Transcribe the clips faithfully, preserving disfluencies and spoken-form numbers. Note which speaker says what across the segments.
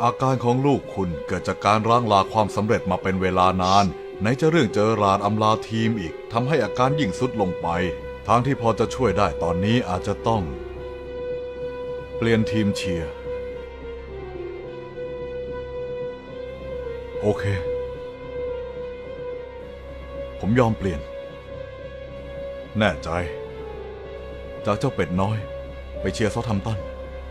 Speaker 1: อาการของลูกคุณเกิดจากการร่างลาความสำเร็จมาเป็นเวลานานไหนจะเรื่องเจอราดอำลาทีมอีกทำให้อาการยิ่งทรุดลงไปทางที่พอจะช่วยได้ตอนนี้อาจจะต้องเปลี่ยนทีมเชียร์โอเคผมยอมเปลี่ยนแน่ใจจากเจ้าเป็ดน้อยไปเชียร์เซาท์แฮมป์ตัน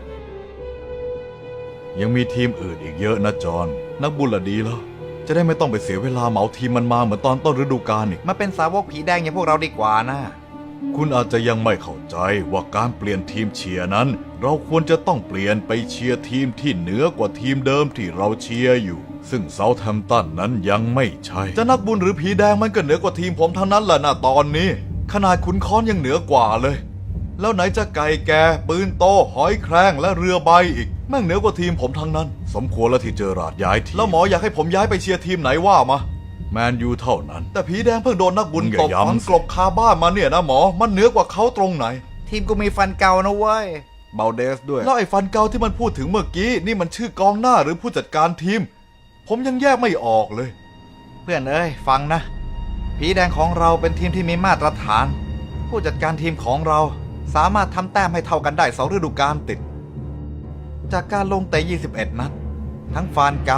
Speaker 1: ยังมีทีมอื่นอีกเยอะนะจอห์นนักบุญละดีแล้วจะได้ไม่ต้องไปเสียเวลาเหมาทีมมันมาเหมือนตอนต้นฤดูกาลอีก
Speaker 2: มาเป็นสาวกผีแดงอย่างพวกเราดีกว่านะ
Speaker 1: คุณอาจจะยังไม่เข้าใจว่าการเปลี่ยนทีมเชียร์นั้นเราควรจะต้องเปลี่ยนไปเชียร์ทีมที่เหนือกว่าทีมเดิมที่เราเชียร์อยู่ซึ่งเซาท์แฮมป์ตันนั้นยังไม่ใช่จะนักบุญหรือผีแดงมันก็เหนือกว่าทีมผมทั้งนั้นแหละนะตอนนี้ขนาดขุนค้อนยังเหนือกว่าเลยแล้วไหนจะไก่แก่ปืนโตหอยแครงและเรือใบอีกแม่งเหนือกว่าทีมผมทั้งนั้นสมควรแล้วที่เจอราดย้ายทีมแล้วหมออยากให้ผมย้ายไปเชียร์ทีมไหนว่ามาแมนยูเท่านั้นแต่ผีแดงเพิ่งโดนนักบุญตบฝังกลบคาบ้านมาเนี่ยนะหมอมันเหนือกว่าเขาตรงไหน
Speaker 2: ทีมกูมีฟันเก่านะเว้ย
Speaker 1: เบลเดสด้วยแล้วไอ้ฟันเก่าที่มันพูดถึงเมื่อกี้นี่มันชื่อกองหน้าหรือผู้จัดการทีมผมยังแยกไม่ออกเลย
Speaker 2: เพื่อนเอ้ยฟังนะผีแดงของเราเป็นทีมที่มีมาตรฐานผู้จัดการทีมของเราสามารถทำแต้มให้เท่ากันได้สองฤดูกาลติดจากการลงเตะยี่สิบเอ็ดนัดทั้งฟานเกา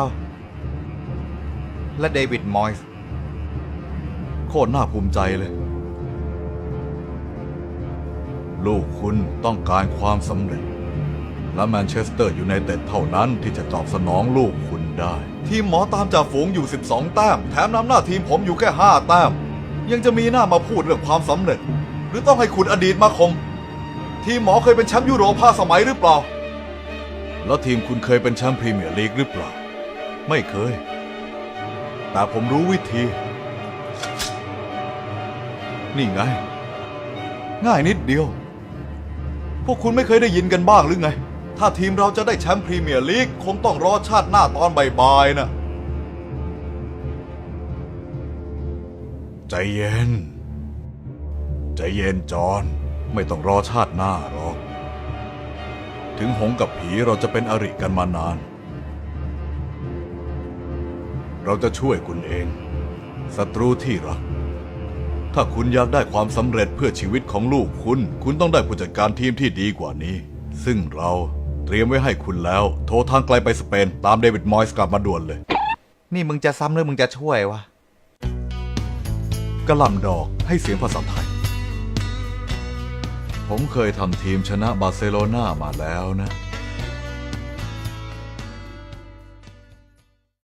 Speaker 2: และเดวิดมอยส์
Speaker 1: โคตรน่าภูมิใจเลยลูกคุณต้องการความสำเร็จและแมนเชสเตอร์ยูไนเต็ดเท่านั้นที่จะตอบสนองลูกคุณได้ทีมหมอตามจ่าฝูงอยู่สิบสองแต้มแถมนำหน้าทีมผมอยู่แค่ห้าแต้มยังจะมีหน้ามาพูดเรื่องความสำเร็จหรือต้องให้คุณอดีตมาคมทีมหมอเคยเป็นแชมป์ยุโรปห้าสมัยหรือเปล่าแล้วทีมคุณเคยเป็นแชมป์พรีเมียร์ลีกหรือเปล่าไม่เคยแต่ผมรู้วิธีนี่ไงง่ายนิดเดียวพวกคุณไม่เคยได้ยินกันบ้างหรือไงถ้าทีมเราจะได้แชมป์พรีเมียร์ลีกคงต้องรอชาติหน้าตอนบ่ายๆนะใจเย็นใจเย็นจอห์นไม่ต้องรอชาติหน้าหรอกถึงหงกับผีเราจะเป็นอริกันมานานเราจะช่วยคุณเองศัตรูที่รักถ้าคุณอยากได้ความสำเร็จเพื่อชีวิตของลูกคุณคุณต้องได้ผู้จัดการทีมที่ดีกว่านี้ซึ่งเราเตรียมไว้ให้คุณแล้วโทรทางไกลไปสเปนตามเดวิดมอยส์กลับมาด่วนเลย
Speaker 2: นี่มึงจะซ้ำหรือมึงจะช่วยวะ
Speaker 1: กระหล่ำดอกให้เสียงภาษาไทยผมเคยทำทีมชนะบาร์เซโลนามาแล้วนะ